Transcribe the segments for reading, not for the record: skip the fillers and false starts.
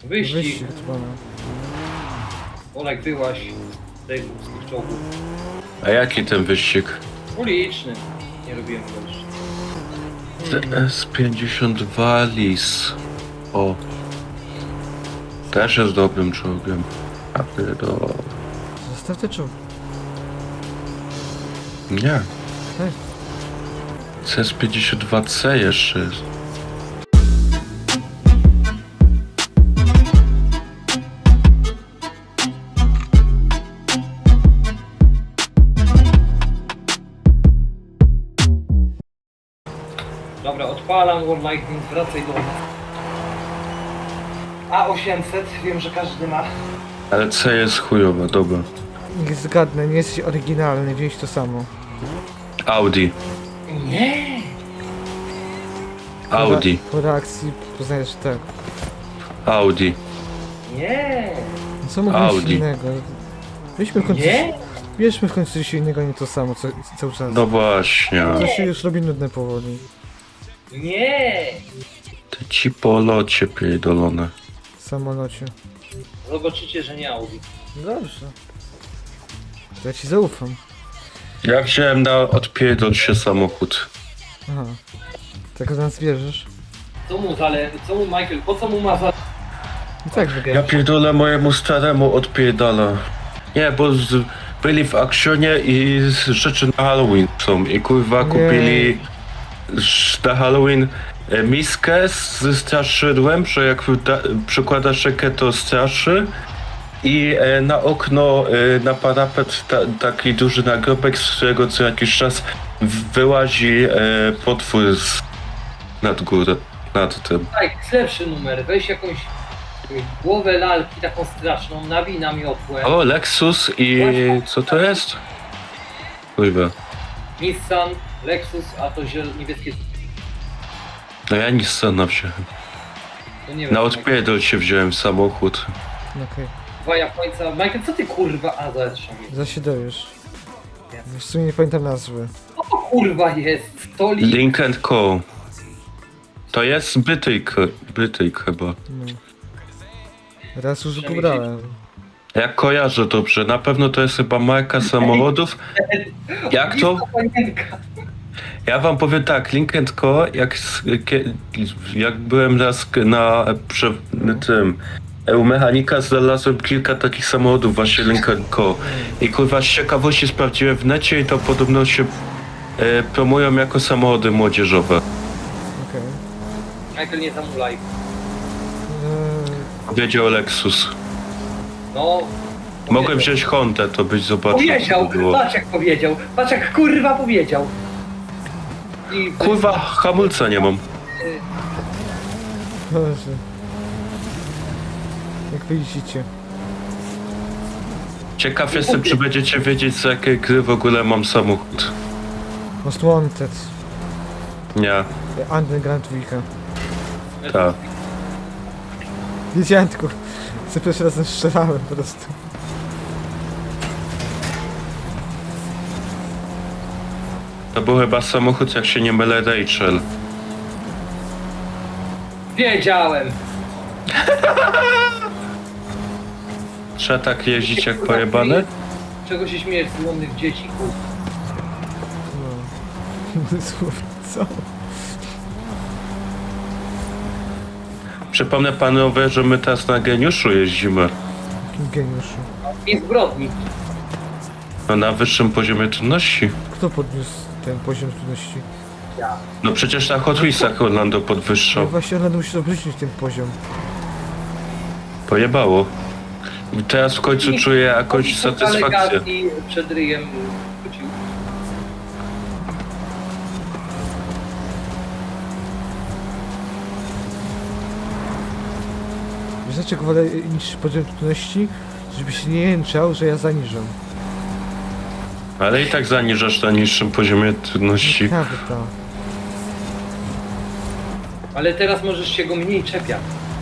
Wyścig. Wyścig dzwona. Olek, wyłaś z tych czołgów. A jaki ten wyścig? Uliczny. Nie robiłem go jeszcze. TS-52 Lis. O. Też jest dobrym czołgiem. A pierdolę. Zostaw te czołg. Nie. Tak. CS-52C jeszcze jest. Dobra, odpalam War Lightning, wracaj do nas. A800, wiem, że każdy ma. Ale C jest chujowa, dobra. Niech zgadnę, nie jesteś oryginalny, wziąć to samo. Audi. Nie! Audi. Po reakcji poznajesz, że tak. Audi. Nie! No co mogę mieć Audi. innego? Weźmy w końcu, Nie! bierzmy w końcu coś innego, nie to samo cały czas. No właśnie. To się już robi nudne powoli. Nie! Ty ci po locie pierdolone. W samolocie. Zobaczycie, że nie Audi. Dobrze. To ja ci zaufam. Ja wziąłem na odpierdol się samochód. Aha. Tak w nas wierzysz? Co mu Michael, po co mu ma za... I tak Ja wybierasz. pierdolę mojemu staremu odpierdala. Nie, bo byli w akcjonie i rzeczy na Halloween są. I kurwa Nie. kupili na Halloween miskę ze straszydłem, że jak przykładasz rękę to straszy. I na okno, na parapet taki duży nagrobek, z którego co jakiś czas wyłazi potwór nad górę, nad tym. Tak, jest lepszy numer, weź jakąś głowę lalki taką straszną, nawij na miotłę. O, Lexus i co to jest? Kurwa. Nissan, Lexus, a to niebieskie... No ja Nissana wziąłem. To nie wiem. Na odpierdol się wziąłem samochód. No okej. Dwa Japońca. Michael, co ty kurwa... A, zresztą. Za się dowiesz. W sumie nie pamiętam nazwy. Co to kurwa jest? Stoli... Link Co. To jest Brytyjk chyba. No. Raz już Przemyśleć. pobrałem. Ja kojarzę dobrze, na pewno to jest chyba marka samochodów. Jak to? Lista panienka. Ja wam powiem tak, Link Co, jak byłem raz na tym u mechanika, znalazłem kilka takich samochodów właśnie Link Co. I kurwa z ciekawości sprawdziłem w necie i to podobno się promują jako samochody młodzieżowe. Okej. Michael, nie zamulaj. Wiedział Lexus. No... Mogłem wziąć Hondę, to byś zobaczył co Powiedział, to było. patrz jak powiedział. Patrz jak kurwa powiedział. I... Kurwa, hamulca nie mam. Boże. Jak widzicie. Ciekaw jestem, czy będziecie wiedzieć, z jakiej gry w ogóle mam samochód. Most Wanted. Nie, Underground Weeka. tak. Wiedziałem tylko. Za pierwszy raz strzelałem po prostu. To był chyba samochód, jak się nie mylę, Rachel. Wiedziałem. Trzeba tak jeździć jak pojebane? Czego się śmiejesz z łomnych dzieci, kurwa? No. Słów, co? Przypomnę panowie, że my teraz na Geniuszu jeździmy. Jakim geniuszu. I zbrodni. No na wyższym poziomie trudności. Kto podniósł ten poziom trudności? Ja. No przecież na Hot Wheelsach Orlando No podwyższał. właśnie Orlando musi obrócić ten poziom. Pojebało. I teraz w końcu czuję jakąś satysfakcję. Delegacji przed ryjem wrócił. Wiesz dlaczego wolę niższy poziom trudności? Żeby się nie jęczał, że ja zaniżam. Ale i tak zaniżasz na niższym poziomie trudności. Ciekawe to. Ale teraz możesz się go mniej czepiać.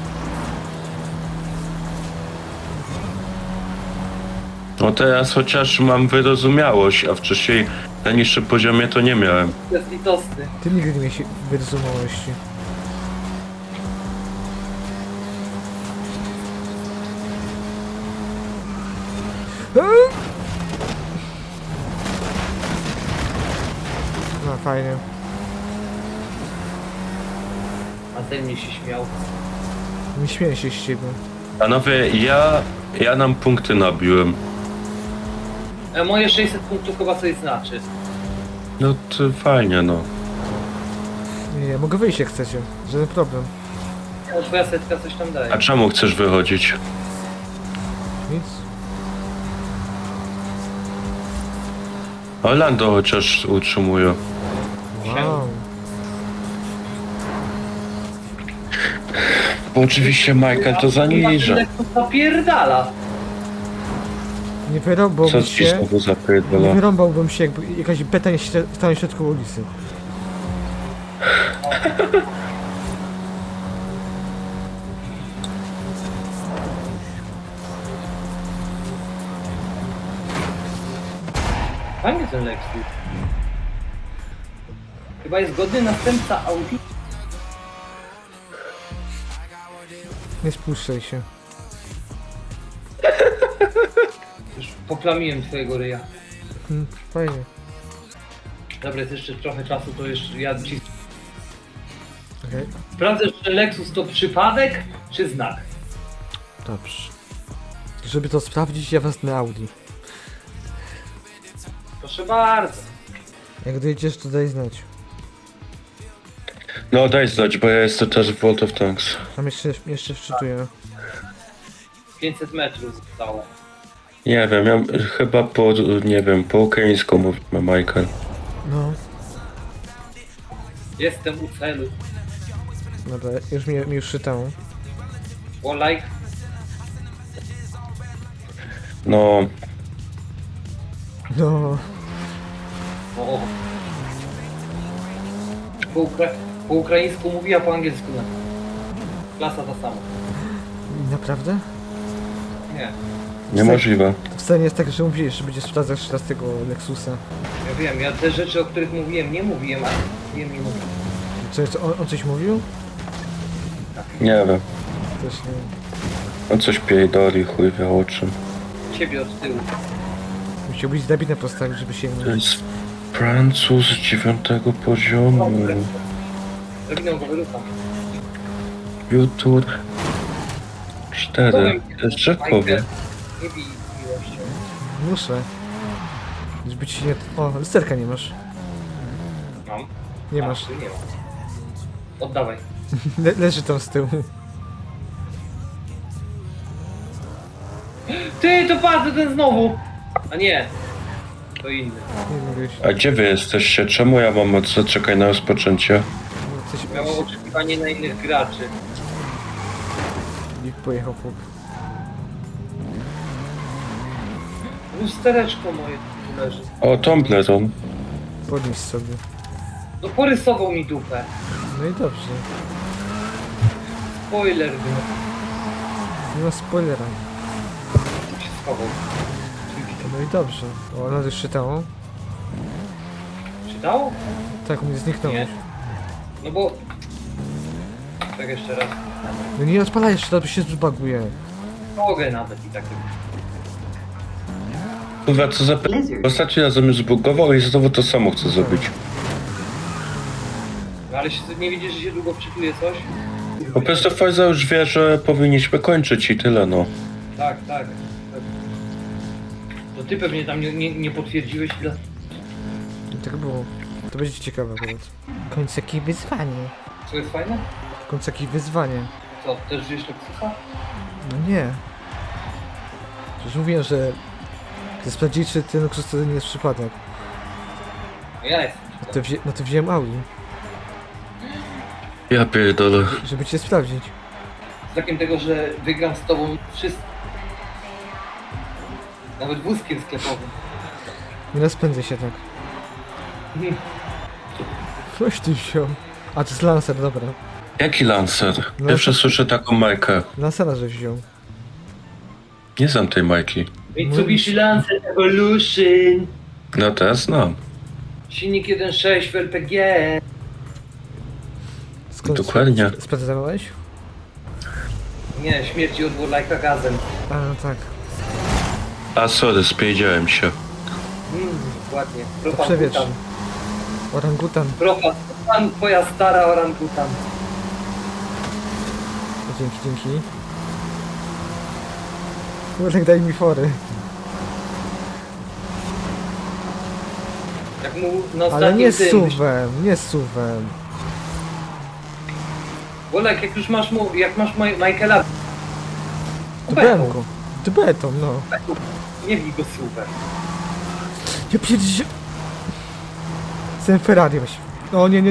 No teraz chociaż mam wyrozumiałość, a wcześniej na niższym poziomie to nie miałem. To jest litosny. Ty nigdy nie miałeś wyrozumiałości. No fajnie. A ten mnie się śmiał. Nie śmieję się z ciebie. Panowie, ja nam punkty nabiłem. Moje 600 punktów chyba coś znaczy. No to fajnie, no. Nie, mogę wyjść jak chcecie. Żaden problem. No, twoja setka coś tam daje. A czemu chcesz wychodzić? Nic. Orlando chociaż utrzymuje. Wow. Bo oczywiście Michael to zaniża. Zapierdala. Nie Co wyrąbałbym ci się. znowu Nie zapierdala? wyrąbałbym się, jakby jakaś beta nie stała w środku ulicy. Fajnie ten Lexus. Chyba jest godny następca Audi. Nie spuszczaj się. Już poplamiłem twojego ryja. Fajnie. Dobra, jest jeszcze trochę czasu, to jeszcze ja ci... Okej. Sprawdzę, czy Lexus to przypadek, czy znak. Dobrze. Żeby to sprawdzić, ja wezmę Audi. Proszę bardzo. Jak dojedziesz, to daj znać. No daj znać, bo ja jestem też w World of Tanks. Tam jeszcze wczytuję. 500 metrów zostało. Nie wiem, ja chyba nie wiem, po ukraińsku mówimy Michael. No. Jestem u celu. Dobra, już mi już czytało. Like. No, No. O. Po ukraińsku mówi, a po angielsku nie. Klasa ta sama. Naprawdę? Nie. niemożliwe. To wcale nie jest tak, że mówiłeś, że będzie sprawdzać jeszcze raz tego Lexusa. Ja wiem, ja te rzeczy, o których mówiłem, nie mówiłem, a mówiłem nie mówiłem. Czy on coś mówił? Nie wiem. Też nie wiem. On coś pierdoli, chuj wie o czym. Ciebie od tyłu. Musiał być drabinę postawić, żeby się To nie... jest Francuz 9 poziomu. Robiną go wyrucham. YouTube 4. To jest rzekowy. Nie bij z miłością. Muszę. Żeby ci nie... O, lusterka nie masz. Mam. Nie A, masz. tu nie ma. Oddawaj. Leży tam z tyłu. Ty, to patrz, to ten znowu! A nie. To inny. Nie mówiłeś. A gdzie wy jesteście? Czemu ja mam zaczekać na rozpoczęcie? Coś Miało oczekiwanie na innych graczy. I pojechał chłop. Lustereczko moje tu leży. O, Tombleron. Podnieś sobie. No porysował mi dupę. No i dobrze. Spoiler był. Nie ma spoilera. Się schował. No i dobrze. O, ona już czytało. Czytało? Tak, u mnie zniknąłeś. Nie. No bo... Tak jeszcze raz. No nie odpalaj jeszcze, to się zbaguje. Mogę nawet i tak. Kurwa, co za ostatni razem już zbugował i znowu to samo chcę zrobić. No ale się, nie widzisz, że się długo wczytuje coś? Po prostu Forza już wie, że powinniśmy kończyć i tyle, no. Tak, tak. To ty pewnie tam nie potwierdziłeś ile... I tak było. To będzie ciekawe akurat. W końcu jakieś wyzwanie. Co jest fajne? W końcu jakieś wyzwanie. Co, też żyjesz Lexusa? No nie. Przecież mówiłem, że chcę sprawdzić, czy ten Lexus to nie jest przypadek. No ja jestem. No to wziąłem Audi, Ja pierdolę. żeby cię sprawdzić. Z takim tego, że wygram z tobą wszystko. Nawet wózkiem sklepowym. Nie rozpędzę się tak. Coś ty wziął. A to jest Lancer, dobra. Jaki Lancer? No Pierwsze to- słyszę taką majkę. Lancera, że wziął. Nie znam tej majki. Mitsubishi Lancer Evolution. No teraz znam. Silnik 1.6 w LPG. Skąd Dokładnie. sprawdzałeś? Nie, śmierci od Warlike'a gazem. A, no tak. A sorry, spierdziałem się. Ładnie. To przewietrz. Orangutan. Pan, twoja stara orangutan. Dzięki. Wolek, daj mi fory. Jak mu na Ale ostatnim nie tym... nie z suwem. Wolek, jak masz Michaela... Dbem go. Dbetom, no. Nie bij go super. Ja pierdzie... Jestem Ferrari właśnie. O nie.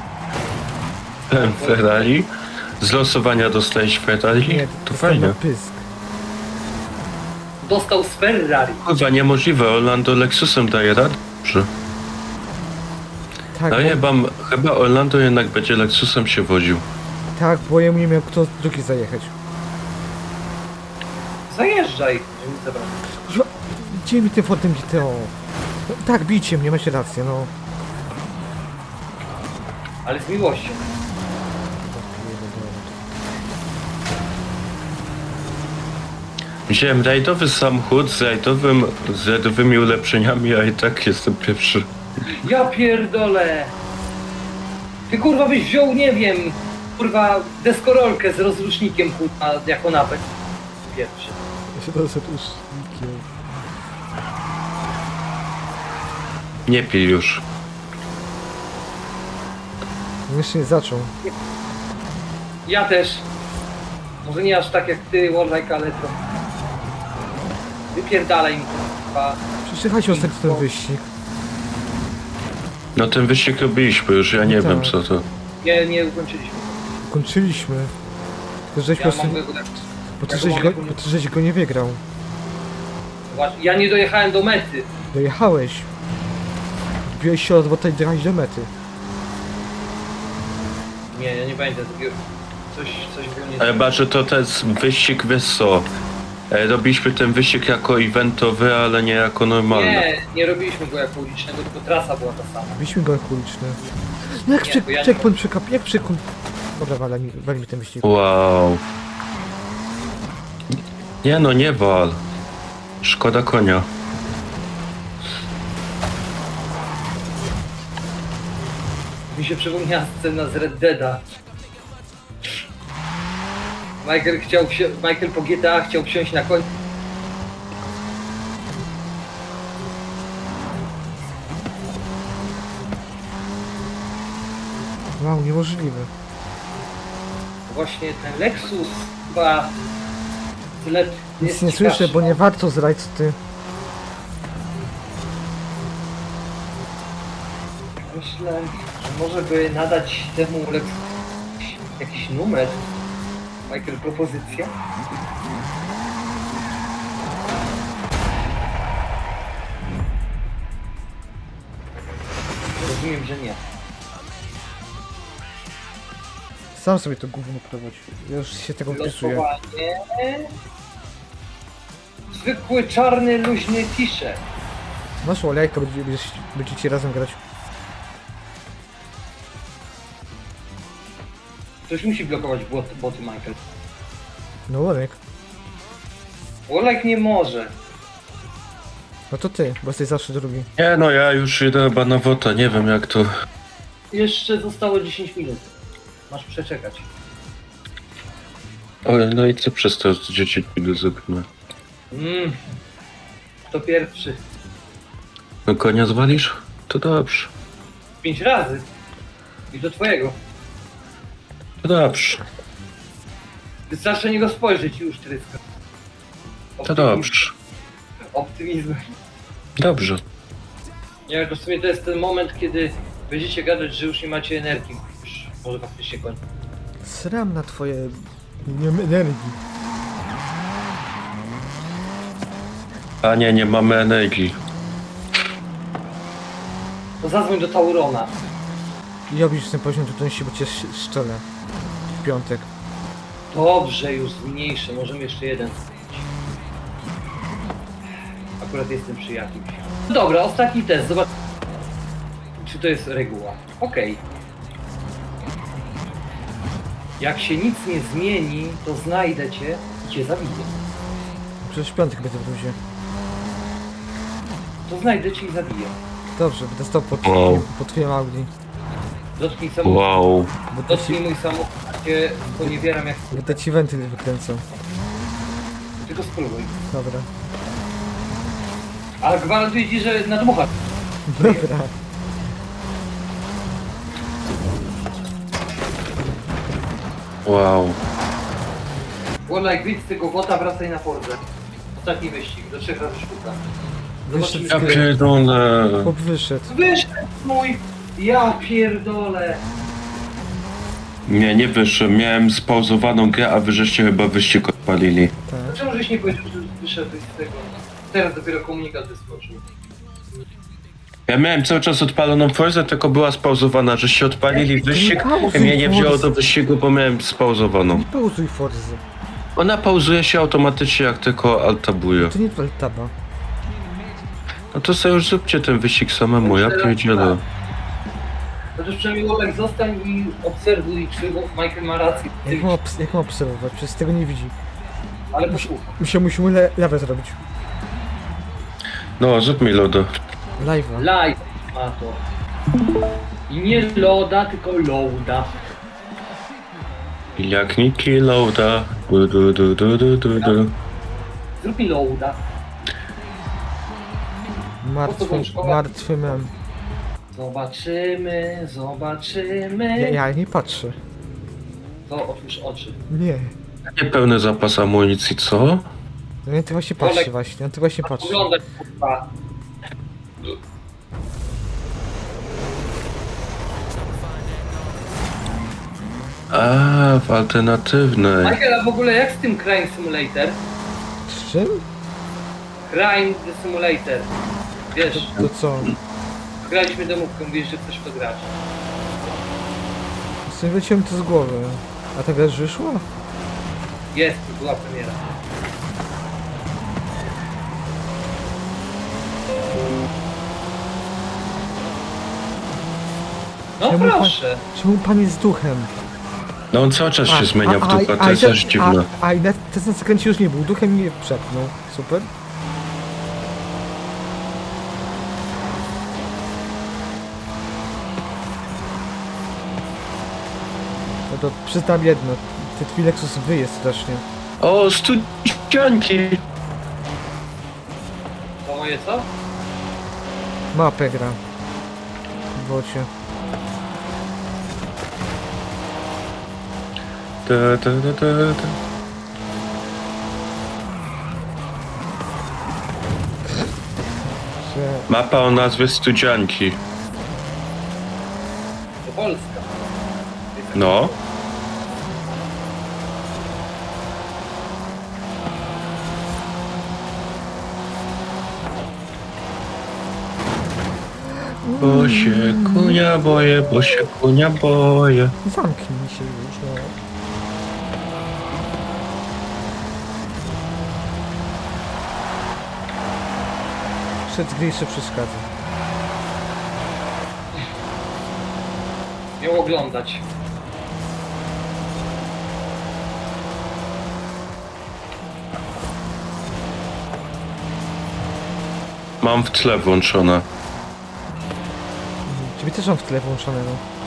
Ferrari? Z losowania dostałeś Ferrari? Nie, To dostałem fajnie. na pysk. Dostał z Ferrari. Kurwa, niemożliwe, Orlando Lexusem daje radę? Dobrze. Tak, No chyba Orlando jednak będzie Lexusem się woził. tak, bo jemu nie miał kto drugi zajechać. Zajeżdżaj. Żeby nie zabrać. Kuźwa, gdzie mi tym Fordem GTO? No, tak, bijcie mnie, macie rację, no. Ale z miłością. Wziąłem rajdowy samochód z rajdowymi ulepszeniami, a i tak jestem pierwszy. Ja pierdolę. Ty kurwa byś wziął, nie wiem, kurwa deskorolkę z rozrusznikiem kurwa jako napęd. Pierwszy. Ja się teraz już nikiem. Nie pij już. Jeszcze nie zaczął. Ja też. Może nie aż tak jak ty, Warlike, ale to... Wypierdalaj mi kurwa. Przeczekajcie ostatni ten wyścig. No ten wyścig robiliśmy już, ja nie No tak. wiem co to. Nie ukończyliśmy. Kończyliśmy. Tylko żeś po Ja prostu... mam go tak... Bo ty żeś go nie wygrał. Właśnie, ja nie dojechałem do mety. Dojechałeś. Wbiłeś się od bota i dojechałeś do mety. Nie, ja nie pamiętam. Coś było nie... Ale baczę, to ten wyścig, wiesz co, robiliśmy ten wyścig jako eventowy, ale nie jako normalny. Nie robiliśmy go jako ulicznego, tylko trasa była ta sama. Byliśmy go jak uliczny. No jak Nie, bo ja nie- checkpoint przekap... Jak przekon... Dobra, wali mi ten wyścig. Wow. Nie no, nie wal. Szkoda konia. Mi się przypomniała scena z Red Deada. Michael po GTA chciał wsiąść na koń. Wow, niemożliwe. Właśnie ten Lexus chyba tyle Nic nie słyszę, bo nie warto zrać ty. Myślę, że może by nadać temu Lexusowi jakiś numer. Michael, propozycja? Rozumiem, że nie. Sam sobie to gówno prowadź. Ja już się tego wpisuję. Losowanie. Zwykły czarny, luźny t-shirt. Masz olejka, będziecie razem grać. Ktoś musi blokować boty Michael. No olejk. Olek nie może. No to ty, bo jesteś zawsze drugi. Nie no, ja już idę chyba na wota, nie wiem jak to... Jeszcze zostało 10 minut. Masz przeczekać. O, no i co przez to 10 minut zrobimy? Kto pierwszy? No konia zwalisz? To dobrze. 5 razy. I do twojego. To dobrze. Wystarczy na niego spojrzeć i już tryska. To dobrze. Optymizm. Dobrze. Nie, to w sumie to jest ten moment, kiedy będziecie gadać, że już nie macie energii. Już może faktycznie kończyć. Sram na twoje... Nie mam energii. A nie mamy energii. To zadzwoń do Taurona. I robisz ten poziom trudności, bo cię szczelę. W piątek. Dobrze, już zmniejszę. Możemy jeszcze jeden zrobić. Akurat jestem przy jakimś. No dobra, ostatni test. Zobacz, czy to jest reguła. Okej. Jak się nic nie zmieni, to znajdę cię i cię zabiję. Przecież w piątek będę w luzie. To znajdę cię i zabiję. Dobrze, będę stał pod, Wow. pod twoim Audi. Dotknij samochód. Wow. Dotknij mój samochód, a cię sponiewieram jak Będę ci wentyl wykręcał. tylko spróbuj. Dobra. Ale gwarantuję ci, że nadmuchasz. Dobra. Wow. Warlike, wyjdź z tego wota, wracaj na Fordę. Ostatni wyścig, do 3 razy sztuka. Wyszedł Ja z gry. pierdolę. Chłop wyszedł. Wyszedł mój! Ja pierdolę! Nie wyszłem. Miałem spauzowaną grę, a wy żeście chyba wyścig odpalili. Tak. Dlaczego żeś nie powiedział, że wyszedłeś z tego? Teraz dopiero komunikat wyskoczył. Ja miałem cały czas odpaloną Forzę, tylko była spauzowana, żeście odpalili wyścig i mnie nie wzięło do wyścigu, bo miałem spauzowaną. Nie pauzuj Forzy. Ona pauzuje się automatycznie, jak tylko altabuje. To nie Altaba. No to sobie już zróbcie ten wyścig samemu, ja pierdzielę. Chociaż przynajmniej Warlike zostań i obserwuj, czy Michael ma rację. Jak mam obserwować? Przecież tego nie widzi. Ale posłuchaj. Musimy lewe zrobić. No, zrób mi lodo. Live'a. Live ma to. I nie loda, tylko loada. Jak Niki loada. Du. Zrób mi loada. Martwy mem. Zobaczymy. Ja nie patrzę. To otwórz oczy. Nie. Niepełny zapas amunicji, co? No ty właśnie patrzy właśnie. On ty właśnie patrzy. Oglądać kurwa. A, w alternatywnej. Michael, a w ogóle jak z tym Crime Simulator? Z czym? Crime the Simulator. Wiesz, To co? graliśmy demówkę, mówisz, że chcesz w to grać. Sobie wleciłem to z głowy. A ta gra już wyszła? Jest, to była premiera. No proszę. Czemu pan jest duchem? No on cały czas się zmienia w dupę, to jest też dziwne. A i ten zakręcie już nie był, duchem mnie przepnął. Super. No to przyznam jedno, ten twój Lexus wyje strasznie. O, studzianki! To moje co? Mapę gra. W bocie. Ta. Że... Mapa o nazwie Studzianki. To Polska. No. Bo się kunia boję, bo się kunia boję. Zamknij się już, no. Przed gry jeszcze przeszkadza. Miał oglądać. Mam w tle włączone. Ciebie też mam w tle włączonego.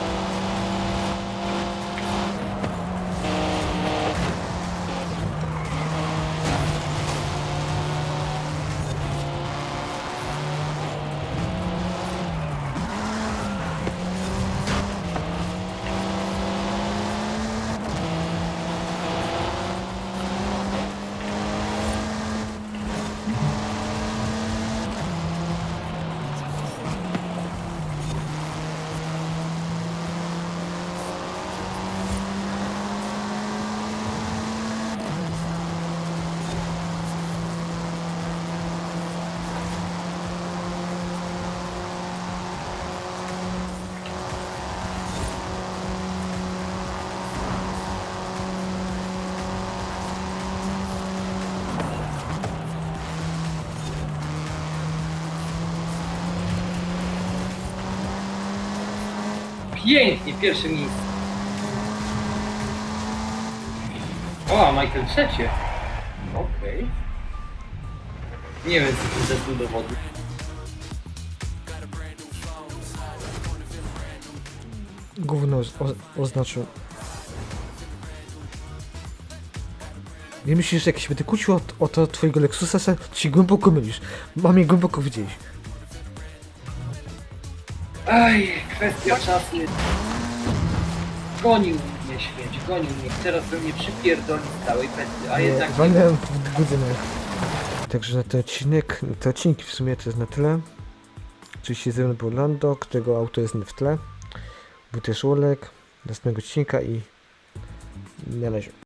Pięknie, pierwsze miejsce. O, a Michael trzecie. Okej. Nie wiem, co to jest do dowodu. Gówno oznaczył. Nie myślisz, że jak się będę kłócił o to twojego Lexusa, to się głęboko mylisz. Mam je głęboko widzieć. Aj, kwestia czasu. Gonił mnie śmieć, gonił mnie. Teraz by mnie przypierdolił z całej pety, a jednak nie. Walnąłem w budynek. Także na ten odcinek, te odcinki w sumie to jest na tyle. Oczywiście ze mną był Lando, którego auto jest w tle. Był też Olek, następnego odcinka i na razie.